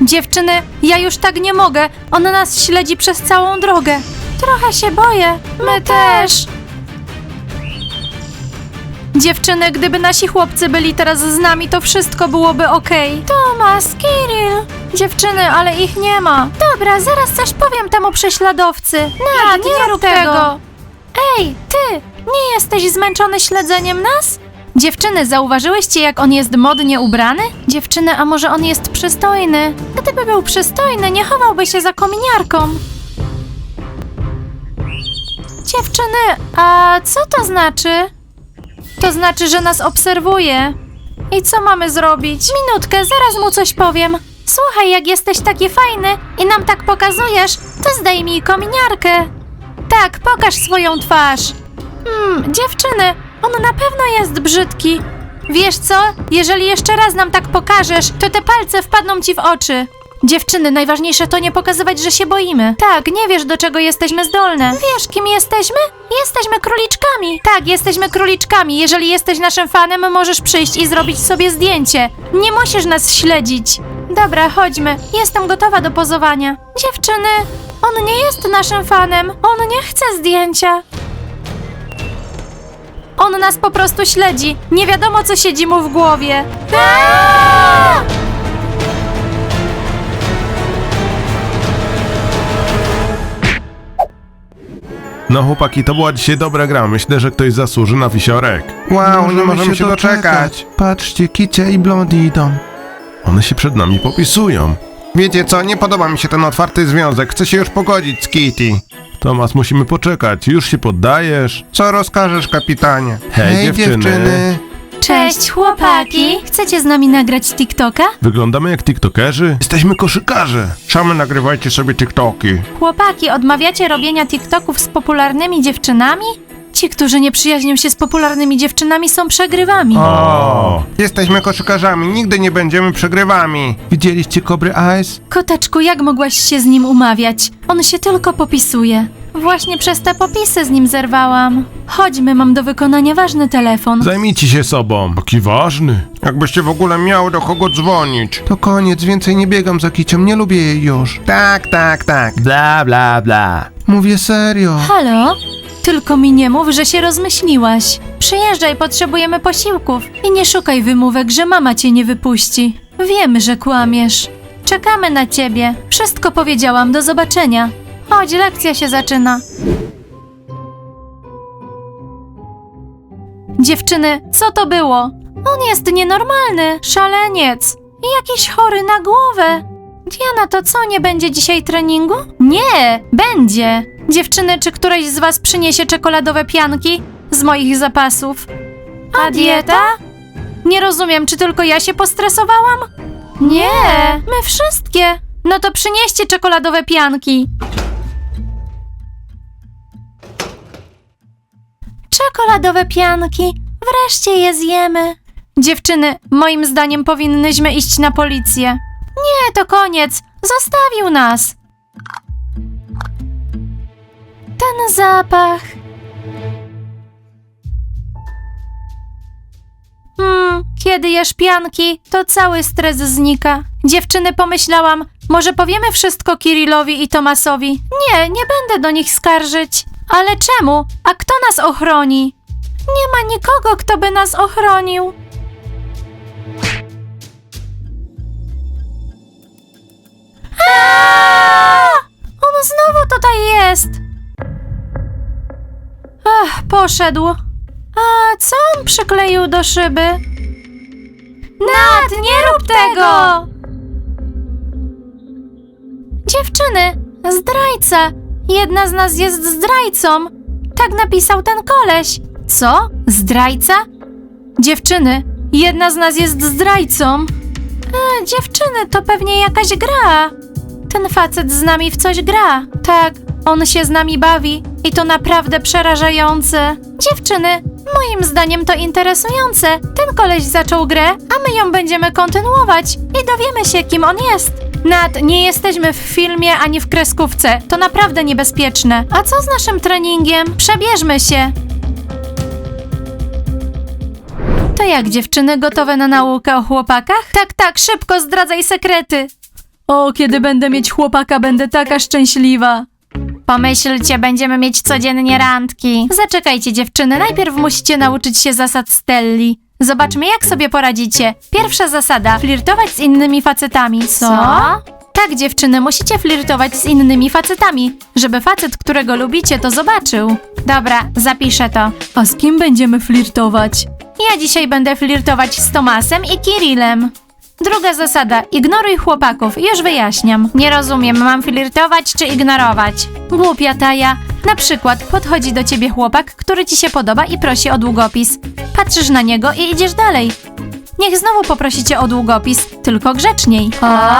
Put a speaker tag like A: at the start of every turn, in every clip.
A: Dziewczyny, ja już tak nie mogę. On nas śledzi przez całą drogę. Trochę się boję. My też. Dziewczyny, gdyby nasi chłopcy byli teraz z nami, to wszystko byłoby okej. Tomas, Kirill. Dziewczyny, ale ich nie ma. Dobra, zaraz coś powiem temu prześladowcy. Nie rób tego. Ej, ty, nie jesteś zmęczony śledzeniem nas? Dziewczyny, zauważyłyście, jak on jest modnie ubrany? Dziewczyny, a może on jest przystojny? Gdyby był przystojny, nie chowałby się za kominiarką. Dziewczyny, a co to znaczy? To znaczy, że nas obserwuje. I co mamy zrobić? Minutkę, zaraz mu coś powiem. Słuchaj, jak jesteś taki fajny i nam tak pokazujesz, to zdejmij kominiarkę. Tak, pokaż swoją twarz. Dziewczyny, on na pewno jest brzydki. Wiesz co? Jeżeli jeszcze raz nam tak pokażesz, to te palce wpadną ci w oczy. Dziewczyny, najważniejsze to nie pokazywać, że się boimy. Tak, nie wiesz, do czego jesteśmy zdolne. Wiesz, kim jesteśmy? Jesteśmy króliczkami. Tak, jesteśmy króliczkami. Jeżeli jesteś naszym fanem, możesz przyjść i zrobić sobie zdjęcie. Nie musisz nas śledzić. Dobra, chodźmy. Jestem gotowa do pozowania. Dziewczyny, on nie jest naszym fanem. On nie chce zdjęcia. On nas po prostu śledzi. Nie wiadomo, co siedzi mu w głowie.
B: No chłopaki, to była dzisiaj dobra gra. Myślę, że ktoś zasłuży na wisiorek.
C: Wow, nie możemy się doczekać.
B: Patrzcie, Kicia i Blondie idą. One się przed nami popisują.
C: Wiecie co, nie podoba mi się ten otwarty związek. Chcę się już pogodzić z Kitty.
B: Tomas, musimy poczekać. Już się poddajesz?
C: Co rozkażesz, kapitanie?
B: Hej, dziewczyny.
A: Cześć, chłopaki. Chcecie z nami nagrać TikToka?
B: Wyglądamy jak tiktokerzy? Jesteśmy koszykarze.
C: Same nagrywajcie sobie TikToki.
A: Chłopaki, odmawiacie robienia TikToków z popularnymi dziewczynami? Ci, którzy nie przyjaźnią się z popularnymi dziewczynami, są przegrywami.
B: O!
C: Jesteśmy koszykarzami, nigdy nie będziemy przegrywami.
B: Widzieliście Kobry Eyes?
A: Koteczku, jak mogłaś się z nim umawiać? On się tylko popisuje. Właśnie przez te popisy z nim zerwałam. Chodźmy, mam do wykonania ważny telefon.
B: Zajmijcie się sobą. Taki ważny.
C: Jakbyście w ogóle miały do kogo dzwonić.
B: To koniec, więcej nie biegam za Kicią, nie lubię jej już.
C: Tak.
B: Bla, bla, bla. Mówię serio.
A: Halo? Tylko mi nie mów, że się rozmyśliłaś. Przyjeżdżaj, potrzebujemy posiłków. I nie szukaj wymówek, że mama cię nie wypuści. Wiemy, że kłamiesz. Czekamy na ciebie. Wszystko powiedziałam, do zobaczenia. Chodź, lekcja się zaczyna. Dziewczyny, co to było? On jest nienormalny, szaleniec i jakiś chory na głowę. Diana, to co, nie będzie dzisiaj treningu? Nie, będzie. Dziewczyny, czy któreś z was przyniesie czekoladowe pianki z moich zapasów? A dieta? Nie rozumiem, czy tylko ja się postresowałam? Nie, my wszystkie. No to przynieście czekoladowe pianki. Czekoladowe pianki. Wreszcie je zjemy. Dziewczyny, moim zdaniem powinnyśmy iść na policję. Nie, to koniec. Zostawił nas. Ten zapach. Kiedy jesz pianki, to cały stres znika. Dziewczyny, pomyślałam, może powiemy wszystko Kirillowi i Tomasowi. Nie będę do nich skarżyć. Ale czemu? A kto nas ochroni? Nie ma nikogo, kto by nas ochronił. On znowu tutaj jest. Poszedł. A co on przykleił do szyby? Nat, nie rób tego! Dziewczyny, zdrajca. Jedna z nas jest zdrajcą. Tak napisał ten koleś. Co? Zdrajca? Dziewczyny, jedna z nas jest zdrajcą. Dziewczyny, to pewnie jakaś gra. Ten facet z nami w coś gra. Tak, on się z nami bawi i to naprawdę przerażające. Dziewczyny, moim zdaniem to interesujące. Ten koleś zaczął grę, a my ją będziemy kontynuować i dowiemy się, kim on jest. Nat, nie jesteśmy w filmie ani w kreskówce. To naprawdę niebezpieczne. A co z naszym treningiem? Przebierzmy się. To jak, dziewczyny, gotowe na naukę o chłopakach? Tak, szybko zdradzaj sekrety. O, kiedy będę mieć chłopaka, będę taka szczęśliwa. Pomyślcie, będziemy mieć codziennie randki. Zaczekajcie, dziewczyny, najpierw musicie nauczyć się zasad Stelli. Zobaczmy, jak sobie poradzicie. Pierwsza zasada: flirtować z innymi facetami. Co? Tak, dziewczyny, musicie flirtować z innymi facetami, żeby facet, którego lubicie, to zobaczył. Dobra, zapiszę to. A z kim będziemy flirtować? Ja dzisiaj będę flirtować z Tomasem i Kirillem. Druga zasada: ignoruj chłopaków. Już wyjaśniam. Nie rozumiem, mam flirtować czy ignorować? Głupia Taja. Na przykład podchodzi do ciebie chłopak, który ci się podoba i prosi o długopis. Patrzysz na niego i idziesz dalej. Niech znowu poprosicie o długopis, tylko grzeczniej.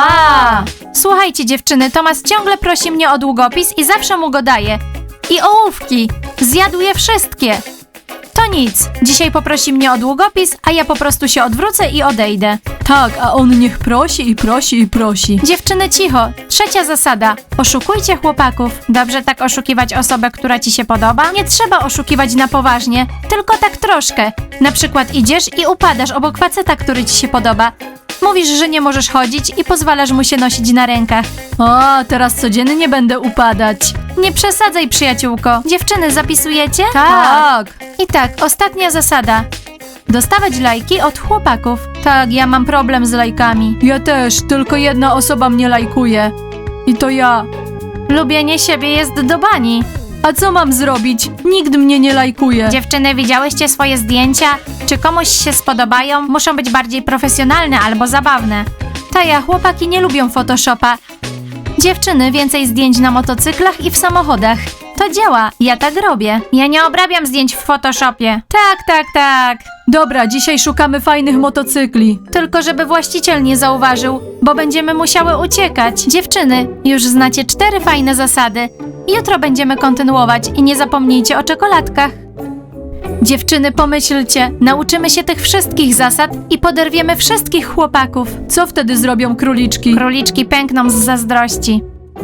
A: Słuchajcie, dziewczyny, Tomas ciągle prosi mnie o długopis i zawsze mu go daję. I ołówki. Zjadł je wszystkie. To nic. Dzisiaj poprosi mnie o długopis, a ja po prostu się odwrócę i odejdę. Tak, a on niech prosi i prosi i prosi. Dziewczyny, cicho. Trzecia zasada: oszukujcie chłopaków. Dobrze tak oszukiwać osobę, która ci się podoba? Nie trzeba oszukiwać na poważnie, tylko tak troszkę. Na przykład idziesz i upadasz obok faceta, który ci się podoba. Mówisz, że nie możesz chodzić i pozwalasz mu się nosić na rękach. O, teraz codziennie będę upadać. Nie przesadzaj, przyjaciółko. Dziewczyny, zapisujecie? Tak. I tak, ostatnia zasada: dostawać lajki od chłopaków. Tak, ja mam problem z lajkami. Ja też, tylko jedna osoba mnie lajkuje. I to ja. Lubienie siebie jest do bani. A co mam zrobić? Nikt mnie nie lajkuje. Dziewczyny, widziałyście swoje zdjęcia? Czy komuś się spodobają? Muszą być bardziej profesjonalne albo zabawne. Taja, chłopaki nie lubią Photoshopa. Dziewczyny, więcej zdjęć na motocyklach i w samochodach. To działa, ja tak robię. Ja nie obrabiam zdjęć w Photoshopie. Tak. Dobra, dzisiaj szukamy fajnych motocykli. Tylko żeby właściciel nie zauważył, bo będziemy musiały uciekać. Dziewczyny, już znacie 4 fajne zasady. Jutro będziemy kontynuować i nie zapomnijcie o czekoladkach. Dziewczyny, pomyślcie, nauczymy się tych wszystkich zasad i poderwiemy wszystkich chłopaków. Co wtedy zrobią króliczki? Króliczki pękną z zazdrości.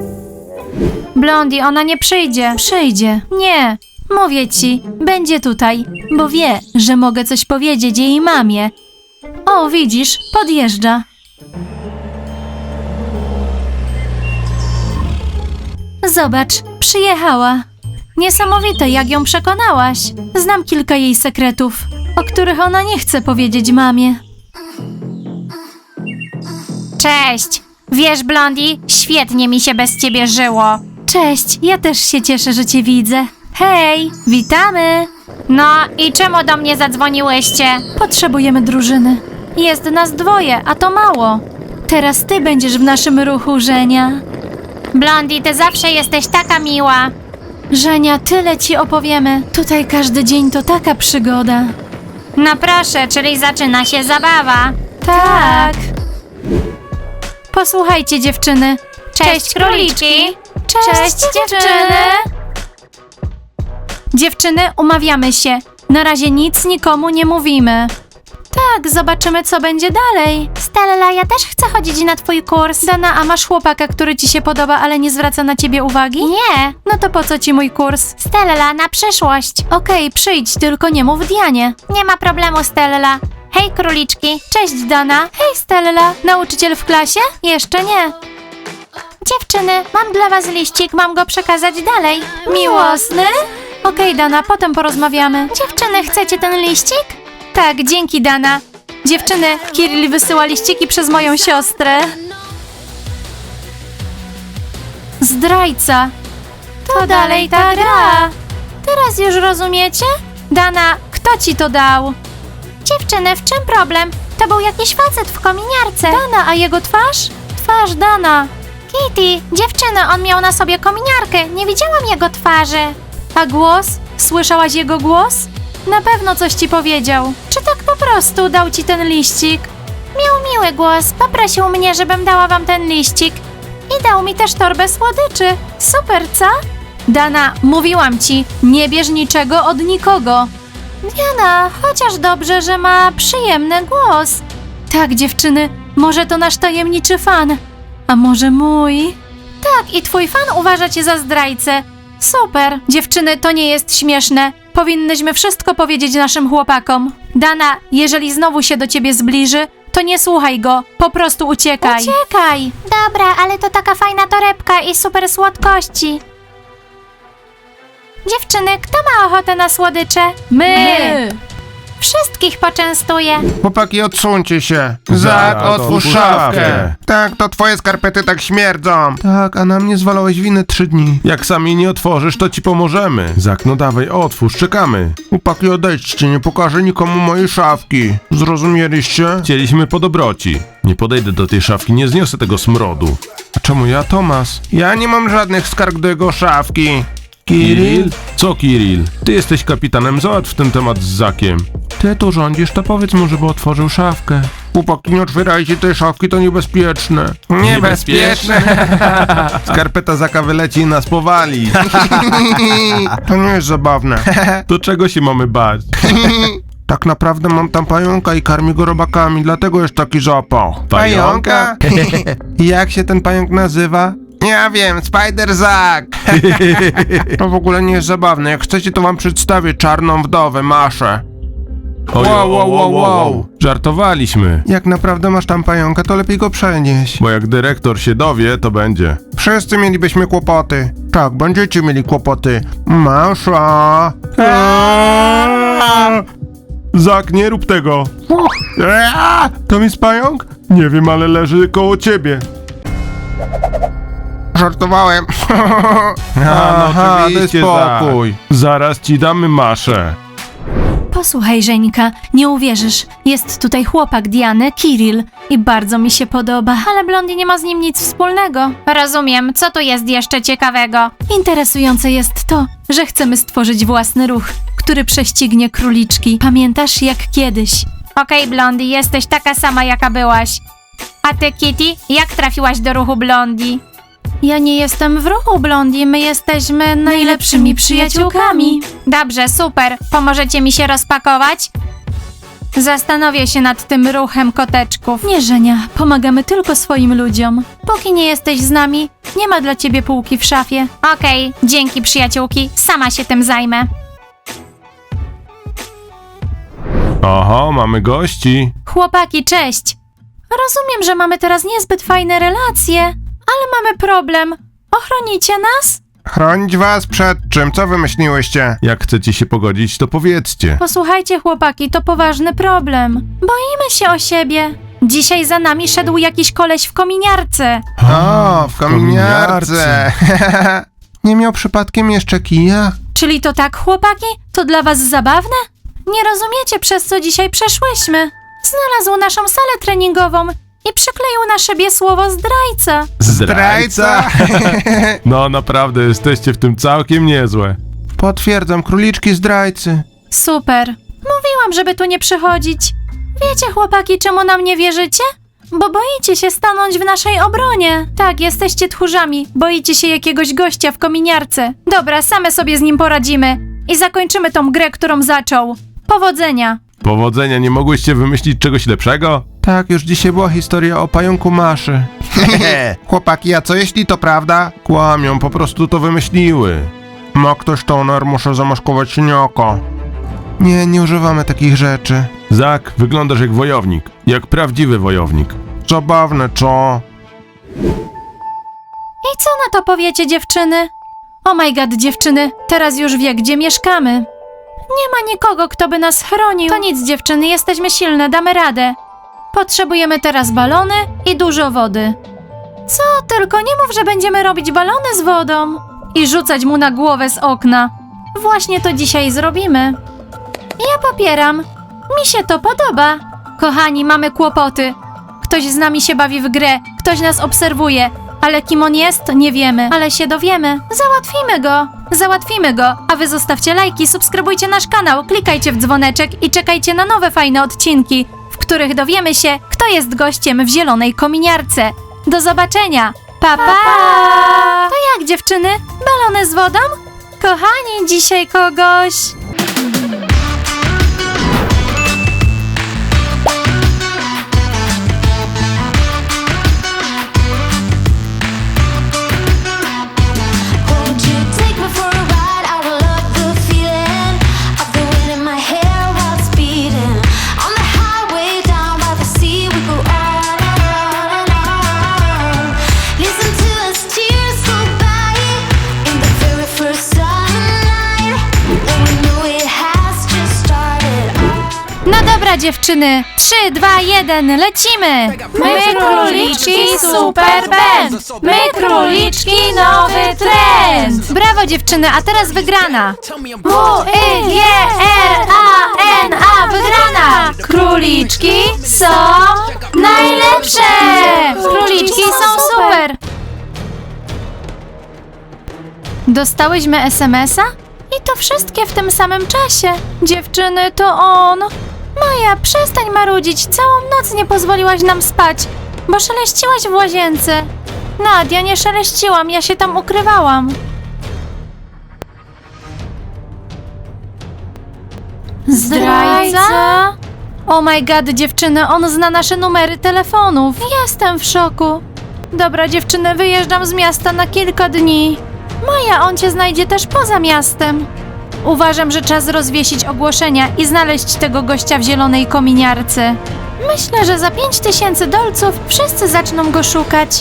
A: Blondie, ona nie przyjdzie. Przyjdzie. Nie. Mówię ci, będzie tutaj, bo wie, że mogę coś powiedzieć jej mamie. O, widzisz, podjeżdża. Zobacz, przyjechała. Niesamowite, jak ją przekonałaś. Znam kilka jej sekretów, o których ona nie chce powiedzieć mamie. Cześć! Wiesz, Blondie, świetnie mi się bez ciebie żyło. Cześć, ja też się cieszę, że cię widzę. Hej, witamy! No i czemu do mnie zadzwoniłyście? Potrzebujemy drużyny. Jest nas 2, a to mało. Teraz ty będziesz w naszym ruchu, Żenia. Blondie, ty zawsze jesteś taka miła. Żenia, tyle ci opowiemy. Tutaj każdy dzień to taka przygoda. No proszę, czyli zaczyna się zabawa. Tak. Posłuchajcie, dziewczyny. Cześć, króliczki. Cześć, dziewczyny. Dziewczyny, umawiamy się. Na razie nic nikomu nie mówimy. Tak, zobaczymy, co będzie dalej. Stella, ja też chcę chodzić na twój kurs. Dana, a masz chłopaka, który ci się podoba, ale nie zwraca na ciebie uwagi? Nie. No to po co ci mój kurs? Stella, na przyszłość. Okej, przyjdź, tylko nie mów Dianie. Nie ma problemu, Stella. Hej, króliczki. Cześć, Dana. Hej, Stella. Nauczyciel w klasie? Jeszcze nie. Dziewczyny, mam dla was liścik, mam go przekazać dalej. Miłosny? Okej, Dana, potem porozmawiamy. Dziewczyny, chcecie ten liścik? Tak, dzięki, Dana. Dziewczyny, Kirill wysyła liściki przez moją siostrę. Zdrajca. To dalej ta gra. Teraz już rozumiecie? Dana, kto ci to dał? Dziewczyny, w czym problem? To był jakiś facet w kominiarce. Dana, a jego twarz? Twarz Dana. Kitty, dziewczyny, on miał na sobie kominiarkę. Nie widziałam jego twarzy. A głos? Słyszałaś jego głos? Na pewno coś ci powiedział. Czy tak po prostu dał ci ten liścik? Miał miły głos. Poprosił mnie, żebym dała wam ten liścik. I dał mi też torbę słodyczy. Super, co? Dana, mówiłam ci, nie bierz niczego od nikogo. Diana, chociaż dobrze, że ma przyjemny głos. Tak, dziewczyny, może to nasz tajemniczy fan. A może mój? Tak, i twój fan uważa cię za zdrajcę. Super. Dziewczyny, to nie jest śmieszne. Powinnyśmy wszystko powiedzieć naszym chłopakom. Dana, jeżeli znowu się do ciebie zbliży, to nie słuchaj go. Po prostu uciekaj. Uciekaj. Dobra, ale to taka fajna torebka i super słodkości. Dziewczyny, kto ma ochotę na słodycze? My. Wszystkich poczęstuję.
C: Chłopaki, odsuńcie się.
B: Zak, otwórz szafkę.
C: Tak, to twoje skarpety tak śmierdzą. Tak, a na mnie zwalałeś winę 3 dni.
B: Jak sami nie otworzysz, to ci pomożemy. Zak, no dawaj, otwórz, czekamy.
C: Chłopaki, odejdźcie, nie pokażę nikomu mojej szafki. Zrozumieliście?
B: Chcieliśmy po dobroci. Nie podejdę do tej szafki, nie zniosę tego smrodu.
C: A czemu ja, Tomas? Ja nie mam żadnych skarg do jego szafki.
B: Kiril? Co Kiril? Ty jesteś kapitanem, załatw ten temat z Zakiem.
C: Ty tu rządzisz, to powiedz mu, żeby otworzył szafkę. Chłopaki, nie otwierajcie tej szafki, to niebezpieczne.
B: Niebezpieczne? Skarpeta Zaka wyleci i nas powali.
C: To nie jest zabawne.
B: Do czego się mamy bać?
C: Tak naprawdę mam tam pająka i karmię go robakami, dlatego jest taki zapach.
B: Pająka?
C: Jak się ten pająk nazywa? Ja wiem, Spider Zack. To w ogóle nie jest zabawne. Jak chcecie, to wam przedstawię czarną wdowę, Maszę.
B: Wow. Żartowaliśmy.
C: Jak naprawdę masz tam pająka, to lepiej go przenieś.
B: Bo jak dyrektor się dowie, to będzie.
C: Wszyscy mielibyśmy kłopoty. Tak, będziecie mieli kłopoty. Masza.
B: Zak, nie rób tego.
C: To jest pająk?
B: Nie wiem, ale leży koło ciebie.
C: Żartowałem.
B: Aha,
C: oczywiście,
B: spokój. Zaraz ci damy maszę.
A: Posłuchaj, Żeńka, nie uwierzysz. Jest tutaj chłopak Diany, Kiril, i bardzo mi się podoba, ale Blondie nie ma z nim nic wspólnego. Rozumiem, co tu jest jeszcze ciekawego? Interesujące jest to, że chcemy stworzyć własny ruch, który prześcignie króliczki. Pamiętasz, jak kiedyś? Okej, Blondie, jesteś taka sama, jaka byłaś. A ty, Kitty, jak trafiłaś do ruchu Blondie? Ja nie jestem w ruchu, Blondie, my jesteśmy najlepszymi przyjaciółkami. Dobrze, super. Pomożecie mi się rozpakować? Zastanowię się nad tym ruchem koteczków. Nie, Żenia, pomagamy tylko swoim ludziom. Póki nie jesteś z nami, nie ma dla ciebie półki w szafie. Okej, dzięki przyjaciółki, sama się tym zajmę.
B: Oho, mamy gości.
A: Chłopaki, cześć. Rozumiem, że mamy teraz niezbyt fajne relacje, ale mamy problem. Ochronicie nas?
C: Chronić was przed czym? Co wymyśliłyście?
B: Jak chcecie się pogodzić, to powiedzcie.
A: Posłuchajcie, chłopaki, to poważny problem. Boimy się o siebie. Dzisiaj za nami szedł jakiś koleś w kominiarce.
C: O, w kominiarce. Nie miał przypadkiem jeszcze kija?
A: Czyli to tak, chłopaki? To dla was zabawne? Nie rozumiecie, przez co dzisiaj przeszłyśmy. Znalazł naszą salę treningową i przykleił na szybie słowo zdrajca.
B: Zdrajca? No naprawdę, jesteście w tym całkiem niezłe.
C: Potwierdzam, króliczki zdrajcy.
A: Super. Mówiłam, żeby tu nie przychodzić. Wiecie, chłopaki, czemu nam nie wierzycie? Bo boicie się stanąć w naszej obronie. Tak, jesteście tchórzami. Boicie się jakiegoś gościa w kominiarce. Dobra, same sobie z nim poradzimy. I zakończymy tą grę, którą zaczął. Powodzenia.
B: Powodzenia, nie mogłyście wymyślić czegoś lepszego?
C: Tak, już dzisiaj była historia o pająku Maszy. Chłopaki, a co jeśli to prawda?
B: Kłamią, po prostu to wymyśliły.
C: Ma ktoś toner, muszę zamaskować siniaka. Nie używamy takich rzeczy.
B: Zak, wyglądasz jak wojownik. Jak prawdziwy wojownik.
C: Zabawne, co?
A: I co na to powiecie, dziewczyny? Oh my god, dziewczyny, teraz już wie, gdzie mieszkamy. Nie ma nikogo, kto by nas chronił. To nic, dziewczyny, jesteśmy silne, damy radę. Potrzebujemy teraz balony i dużo wody. Co? Tylko nie mów, że będziemy robić balony z wodą i rzucać mu na głowę z okna. Właśnie to dzisiaj zrobimy. Ja popieram. Mi się to podoba. Kochani, mamy kłopoty. Ktoś z nami się bawi w grę, ktoś nas obserwuje, ale kim on jest, nie wiemy, ale się dowiemy. Załatwimy go, a wy zostawcie lajki, subskrybujcie nasz kanał, klikajcie w dzwoneczek i czekajcie na nowe fajne odcinki, w których dowiemy się, kto jest gościem w zielonej kominiarce. Do zobaczenia! Pa, pa! To jak, dziewczyny? Balony z wodą? Kochani, dzisiaj kogoś...
D: Won't you take me for a ride? I will love the feeling of the wind in my hair while it's beating. On the highway down by the sea, we go
A: Dobra dziewczyny, 3, 2, 1, lecimy! My króliczki, super band! My króliczki, nowy trend! Brawo dziewczyny, a teraz wygrana! W-I-G-R-A-N-A, wygrana! Króliczki są najlepsze! Króliczki są super! Dostałyśmy SMS-a? I to wszystkie w tym samym czasie. Dziewczyny, to on. Maja, przestań marudzić. Całą noc nie pozwoliłaś nam spać, bo szeleściłaś w łazience. Nadia, nie szeleściłam, ja się tam ukrywałam. Zdrajca? Oh my god, dziewczyny, on zna nasze numery telefonów. Jestem w szoku. Dobra, dziewczyny, wyjeżdżam z miasta na kilka dni. Maja, on cię znajdzie też poza miastem. Uważam, że czas rozwiesić ogłoszenia i znaleźć tego gościa w zielonej kominiarce. Myślę, że za 5000 dolców wszyscy zaczną go szukać.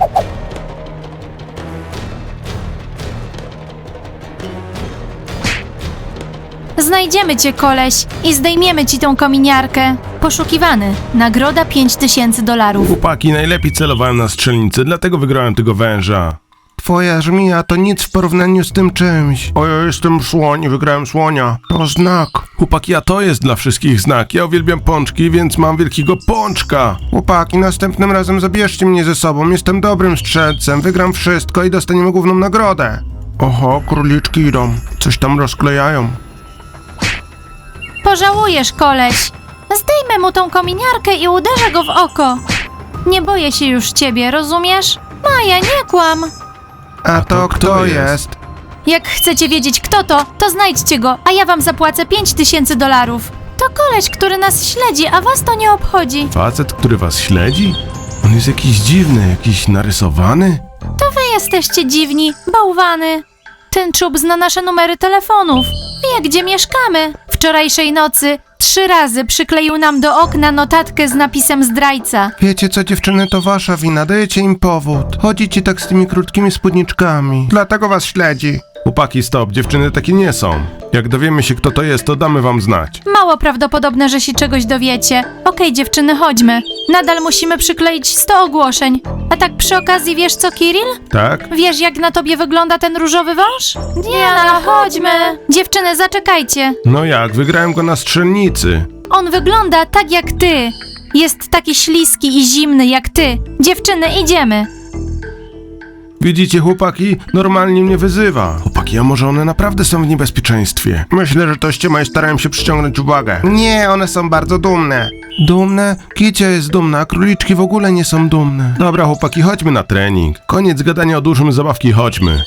A: Znajdziemy cię, koleś, i zdejmiemy ci tą kominiarkę. Poszukiwany. Nagroda $5000.
B: Chłopaki, najlepiej celowałem na strzelnicy, dlatego wygrałem tego węża.
C: Twoja żmija to nic w porównaniu z tym czymś. O, ja jestem słoń i wygrałem słonia. To znak.
B: Chłopaki, a to jest dla wszystkich znak. Ja uwielbiam pączki, więc mam wielkiego pączka.
C: Chłopaki, następnym razem zabierzcie mnie ze sobą. Jestem dobrym strzelcem. Wygram wszystko i dostaniemy główną nagrodę. Oho, króliczki idą. Coś tam rozklejają.
A: Pożałujesz, koleś. Zdejmę mu tą kominiarkę i uderzę go w oko. Nie boję się już ciebie, rozumiesz? Maja, nie kłam.
C: A to kto jest?
A: Jak chcecie wiedzieć, kto to znajdźcie go, a ja wam zapłacę $5000. To koleś, który nas śledzi, a was to nie obchodzi.
B: Facet, który was śledzi? On jest jakiś dziwny, jakiś narysowany?
A: To wy jesteście dziwni, bałwany. Ten czub zna nasze numery telefonów. Wie, gdzie mieszkamy. Wczorajszej nocy 3 razy przykleił nam do okna notatkę z napisem zdrajca.
C: Wiecie co, dziewczyny, to wasza wina. Dajecie im powód. Chodzicie tak z tymi krótkimi spódniczkami. Dlatego was śledzi.
B: Chłopaki, stop, dziewczyny takie nie są. Jak dowiemy się, kto to jest, to damy wam znać.
A: Mało prawdopodobne, że się czegoś dowiecie. Okej, dziewczyny, chodźmy. Nadal musimy przykleić 100 ogłoszeń. A tak przy okazji, wiesz co, Kiril?
B: Tak?
A: Wiesz, jak na tobie wygląda ten różowy wąż? Diana, chodźmy! Dziewczyny, zaczekajcie.
B: No jak, wygrałem go na strzelnicy.
A: On wygląda tak jak ty. Jest taki śliski i zimny jak ty. Dziewczyny, idziemy.
B: Widzicie, chłopaki, normalnie mnie wyzywa. Chłopaki, a może one naprawdę są w niebezpieczeństwie?
C: Myślę, że to ściema i starają się przyciągnąć uwagę. Nie, one są bardzo dumne. Dumne? Kicia jest dumna, a króliczki w ogóle nie są dumne.
B: Dobra, chłopaki, chodźmy na trening. Koniec gadania o dużym zabawki, chodźmy.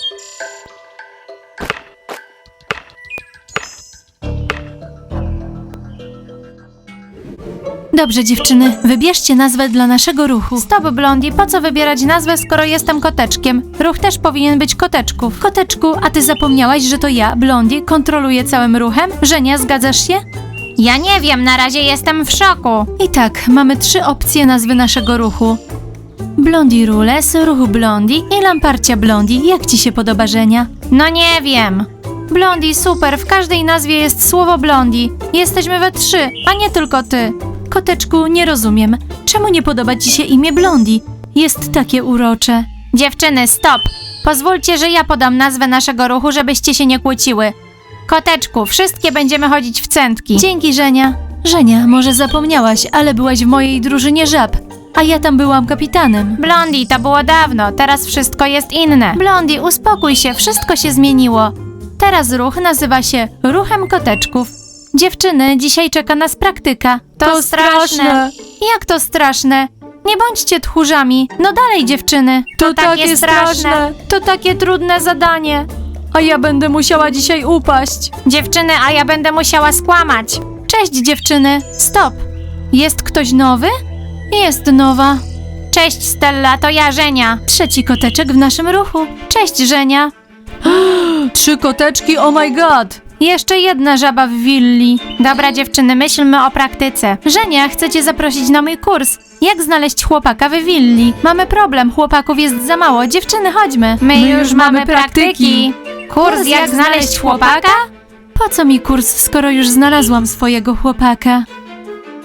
A: Dobrze, dziewczyny, wybierzcie nazwę dla naszego ruchu. Stop, Blondie, po co wybierać nazwę, skoro jestem koteczkiem? Ruch też powinien być koteczków. Koteczku, a ty zapomniałaś, że to ja, Blondie, kontroluję całym ruchem? Żenia, zgadzasz się? Ja nie wiem, na razie jestem w szoku. I tak, mamy 3 opcje nazwy naszego ruchu. Blondie Rules, ruch Blondie i Lamparcia Blondie. Jak ci się podoba, Żenia? No nie wiem. Blondie, super, w każdej nazwie jest słowo Blondie. Jesteśmy we 3, a nie tylko ty. Koteczku, nie rozumiem. Czemu nie podoba ci się imię Blondie? Jest takie urocze. Dziewczyny, stop! Pozwólcie, że ja podam nazwę naszego ruchu, żebyście się nie kłóciły. Koteczku, wszystkie będziemy chodzić w centki. Dzięki, Żenia. Żenia, może zapomniałaś, ale byłaś w mojej drużynie żab, a ja tam byłam kapitanem. Blondie, to było dawno, teraz wszystko jest inne. Blondie, uspokój się, wszystko się zmieniło. Teraz ruch nazywa się Ruchem Koteczków. Dziewczyny, dzisiaj czeka nas praktyka. To straszne. Jak to straszne? Nie bądźcie tchórzami. No dalej, dziewczyny. To takie straszne. To takie trudne zadanie. A ja będę musiała dzisiaj upaść. Dziewczyny, a ja będę musiała skłamać. Cześć, dziewczyny. Stop. Jest ktoś nowy? Jest nowa. Cześć, Stella, to ja, Żenia. 3 koteczek w naszym ruchu. Cześć, Żenia. 3 koteczki, oh my god. Jeszcze jedna żaba w willi. Dobra, dziewczyny, myślmy o praktyce. Żenia, chcę cię zaprosić na mój kurs. Jak znaleźć chłopaka w willi? Mamy problem, chłopaków jest za mało. Dziewczyny, chodźmy. My już mamy praktyki. Kurs jak znaleźć chłopaka? Po co mi kurs, skoro już znalazłam swojego chłopaka?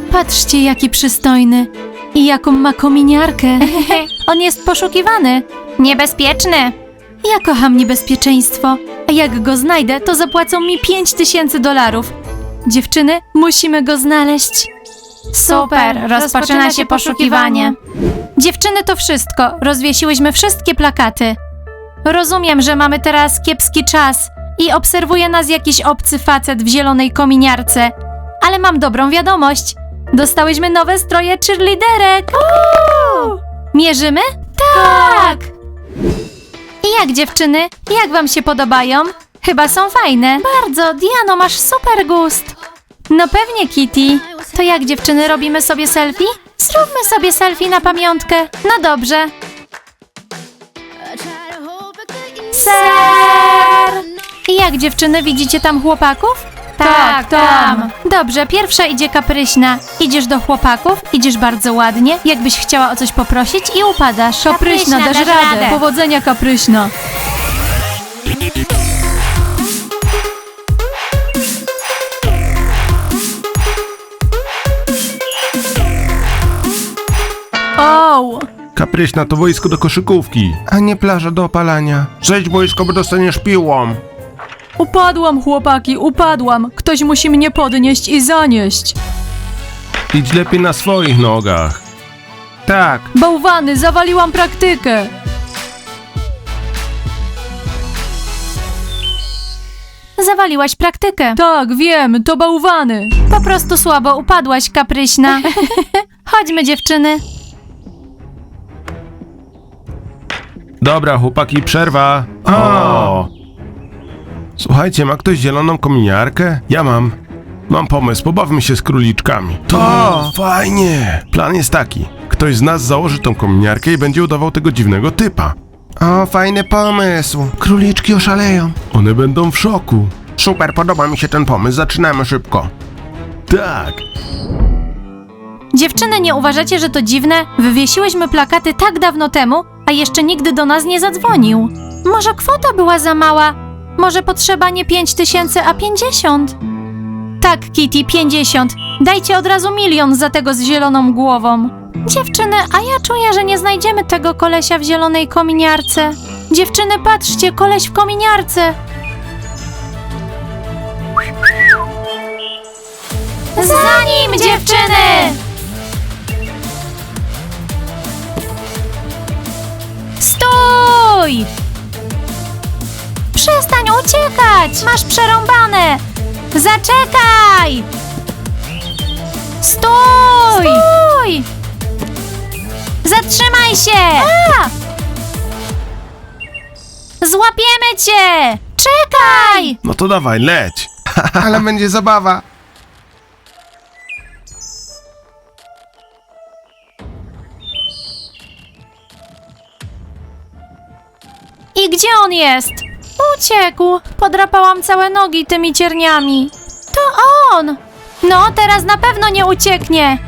A: Patrzcie, jaki przystojny. I jaką ma kominiarkę. On jest poszukiwany. Niebezpieczny. Ja kocham niebezpieczeństwo. A jak go znajdę, to zapłacą mi $5000. Dziewczyny, musimy go znaleźć. Super, rozpoczyna się poszukiwanie. Dziewczyny, to wszystko. Rozwiesiłyśmy wszystkie plakaty. Rozumiem, że mamy teraz kiepski czas i obserwuje nas jakiś obcy facet w zielonej kominiarce. Ale mam dobrą wiadomość. Dostałyśmy nowe stroje cheerleaderek. Mierzymy? Tak! I jak, dziewczyny? Jak wam się podobają? Chyba są fajne. Bardzo, Diano, masz super gust. No pewnie, Kitty. To jak, dziewczyny, robimy sobie selfie? Zróbmy sobie selfie na pamiątkę. No dobrze. Ser! I jak, dziewczyny, widzicie tam chłopaków? Tak, tam. Dobrze, pierwsza idzie Kapryśna. Idziesz do chłopaków, idziesz bardzo ładnie, jakbyś chciała o coś poprosić i upadasz. Kapryśna, dasz radę. Powodzenia, Kapryśna. O!
B: Kapryśna to boisko do koszykówki.
C: A nie plaża do opalania. Zejdź boisko, bo dostaniesz piłą.
A: Upadłam, chłopaki, upadłam. Ktoś musi mnie podnieść i zanieść.
B: Idź lepiej na swoich nogach.
C: Tak.
A: Bałwany, zawaliłam praktykę. Zawaliłaś praktykę. Tak, wiem, to bałwany. Po prostu słabo upadłaś, Kapryśna. Chodźmy, dziewczyny.
B: Dobra, chłopaki, przerwa. O! Słuchajcie, ma ktoś zieloną kominiarkę? Ja mam. Mam pomysł, pobawmy się z króliczkami. To fajnie! Plan jest taki. Ktoś z nas założy tą kominiarkę i będzie udawał tego dziwnego typa.
C: O, fajny pomysł. Króliczki oszaleją.
B: One będą w szoku.
C: Super, podoba mi się ten pomysł. Zaczynamy szybko.
B: Tak.
A: Dziewczyny, nie uważacie, że to dziwne? Wywiesiłyśmy plakaty tak dawno temu, a jeszcze nigdy do nas nie zadzwonił. Może kwota była za mała? Może potrzeba nie 5000, a 50? Tak, Kitty, 50. Dajcie od razu 1 000 000 za tego z zieloną głową. Dziewczyny, a ja czuję, że nie znajdziemy tego kolesia w zielonej kominiarce. Dziewczyny, patrzcie, koleś w kominiarce. Za nim, dziewczyny! Stój! Przestań uciekać! Masz przerąbane! Zaczekaj! Stój! Stój! Zatrzymaj się! Złapiemy cię! Czekaj!
B: No to dawaj, leć.
C: Ale będzie zabawa.
A: I gdzie on jest? Uciekł. Podrapałam całe nogi tymi cierniami. To on! No, teraz na pewno nie ucieknie.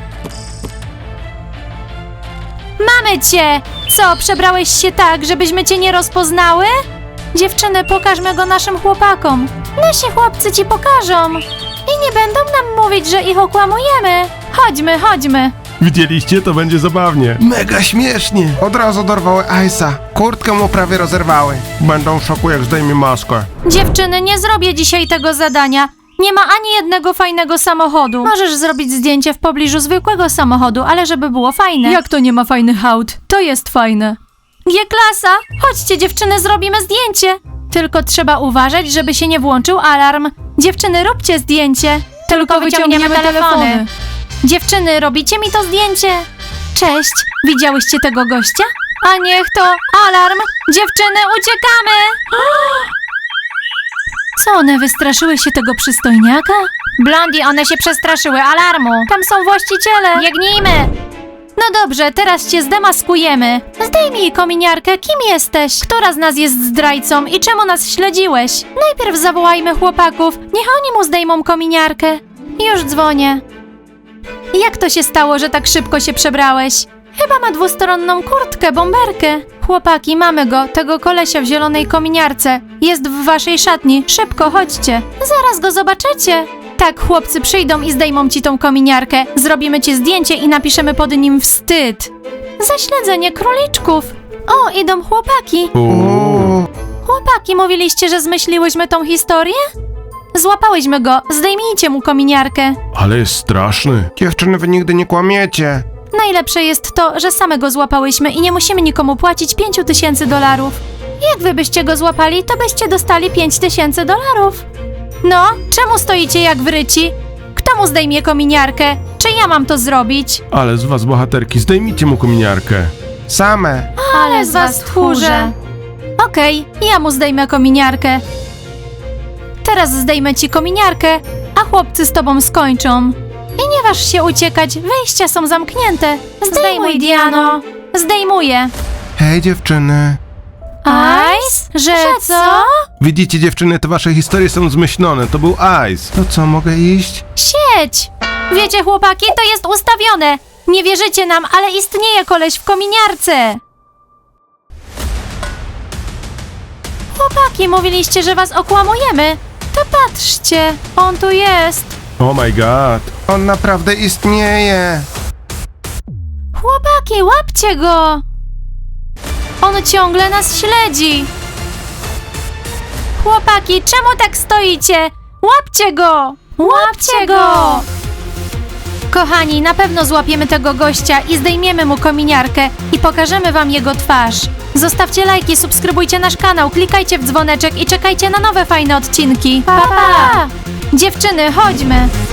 A: Mamy cię! Co, przebrałeś się tak, żebyśmy cię nie rozpoznały? Dziewczyny, pokażmy go naszym chłopakom. Nasi chłopcy ci pokażą. I nie będą nam mówić, że ich okłamujemy. Chodźmy, chodźmy.
B: Widzieliście? To będzie zabawnie.
C: Mega śmiesznie. Od razu dorwały Ice'a. Kurtkę mu prawie rozerwały. Będą w szoku, jak zdejmie maskę.
A: Dziewczyny, nie zrobię dzisiaj tego zadania. Nie ma ani jednego fajnego samochodu. Możesz zrobić zdjęcie w pobliżu zwykłego samochodu, ale żeby było fajne. Jak to nie ma fajnych aut? To jest fajne. G-klasa! Chodźcie, dziewczyny, zrobimy zdjęcie. Tylko trzeba uważać, żeby się nie włączył alarm. Dziewczyny, róbcie zdjęcie. Tylko wyciągniemy telefony. Dziewczyny, robicie mi to zdjęcie? Cześć, widziałyście tego gościa? A niech to alarm! Dziewczyny, uciekamy! Co, one wystraszyły się tego przystojniaka? Blondie, one się przestraszyły alarmu. Tam są właściciele. Biegnijmy! No dobrze, teraz cię zdemaskujemy. Zdejmij kominiarkę, kim jesteś? Która z nas jest zdrajcą i czemu nas śledziłeś? Najpierw zawołajmy chłopaków, niech oni mu zdejmą kominiarkę. Już dzwonię. Jak to się stało, że tak szybko się przebrałeś? Chyba ma dwustronną kurtkę, bomberkę. Chłopaki, mamy go, tego kolesia w zielonej kominiarce. Jest w waszej szatni, szybko chodźcie. Zaraz go zobaczycie. Tak, chłopcy przyjdą i zdejmą ci tą kominiarkę. Zrobimy ci zdjęcie i napiszemy pod nim wstyd. Zaśledzenie króliczków. O, idą chłopaki.
C: Uuu.
A: Chłopaki, mówiliście, że zmyśliłyśmy tą historię? Złapałyśmy go. Zdejmijcie mu kominiarkę.
B: Ale jest straszny.
C: Dziewczyny, wy nigdy nie kłamiecie.
A: Najlepsze jest to, że same go złapałyśmy i nie musimy nikomu płacić $5000. Jak wy byście go złapali, to byście dostali $5000. No, czemu stoicie jak wryci? Kto mu zdejmie kominiarkę? Czy ja mam to zrobić?
B: Ale z was bohaterki, zdejmijcie mu kominiarkę.
C: Same.
A: Ale z was tchórze. Okej, ja mu zdejmę kominiarkę. Teraz zdejmę ci kominiarkę, a chłopcy z tobą skończą. I nie waż się uciekać, wyjścia są zamknięte. Zdejmuj, Diano. Zdejmuję.
C: Hej, dziewczyny.
A: Ice? Że co?
B: Widzicie dziewczyny, te wasze historie są zmyślone, to był Ice.
C: To co, mogę iść?
A: Sieć! Wiecie, chłopaki, to jest ustawione. Nie wierzycie nam, ale istnieje koleś w kominiarce. Chłopaki, mówiliście, że was okłamujemy. To patrzcie, on tu jest.
B: Oh my god.
C: On naprawdę istnieje.
A: Chłopaki, łapcie go! On ciągle nas śledzi. Chłopaki, czemu tak stoicie? Łapcie go! Łapcie go! Kochani, na pewno złapiemy tego gościa i zdejmiemy mu kominiarkę i pokażemy wam jego twarz. Zostawcie lajki, subskrybujcie nasz kanał, klikajcie w dzwoneczek i czekajcie na nowe fajne odcinki. Pa, pa! Dziewczyny, chodźmy!